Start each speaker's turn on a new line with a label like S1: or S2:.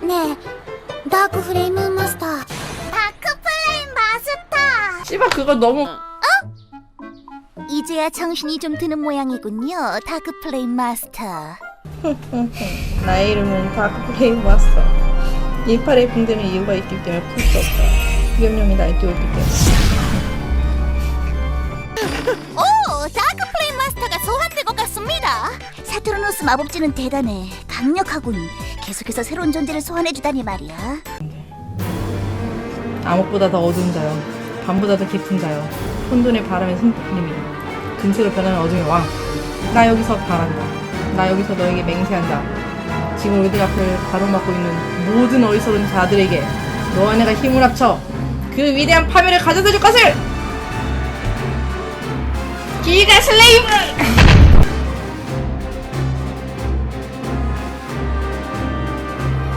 S1: 네, 다크 플레임 마스터. 다크 플레임 마스터.
S2: 씨발 그거 너무
S1: 이제야 정신이 좀 드는 모양이군요. 다크 플레임 마스터.
S2: 나의 이름은 다크플레임 마스터. 이팔에 붕대는 이유가 있기 때문에 풀 수 없다. 위험령이 날뛰어오기 때문에.
S1: 오, 다크 플레임 마스터가 소환된 것 같습니다. 사투르노스 마법진은 대단해. 강력하군. 계속해서 새로운 존재를 소환해주다니 말이야.
S2: 암흑보다 더 어두운 자여, 밤보다 더 깊은 자여, 혼돈의 바람의 승리미, 금세로 변하는 어둠의 왕. 나 여기서 바란다. 나 여기서 너에게 맹세한다. 지금 우리들 앞을 가로막고 있는 모든 어리석은 자들에게 너와 내가 힘을 합쳐 그 위대한 파멸을 가져다 줄 것을! 기가 슬레이브!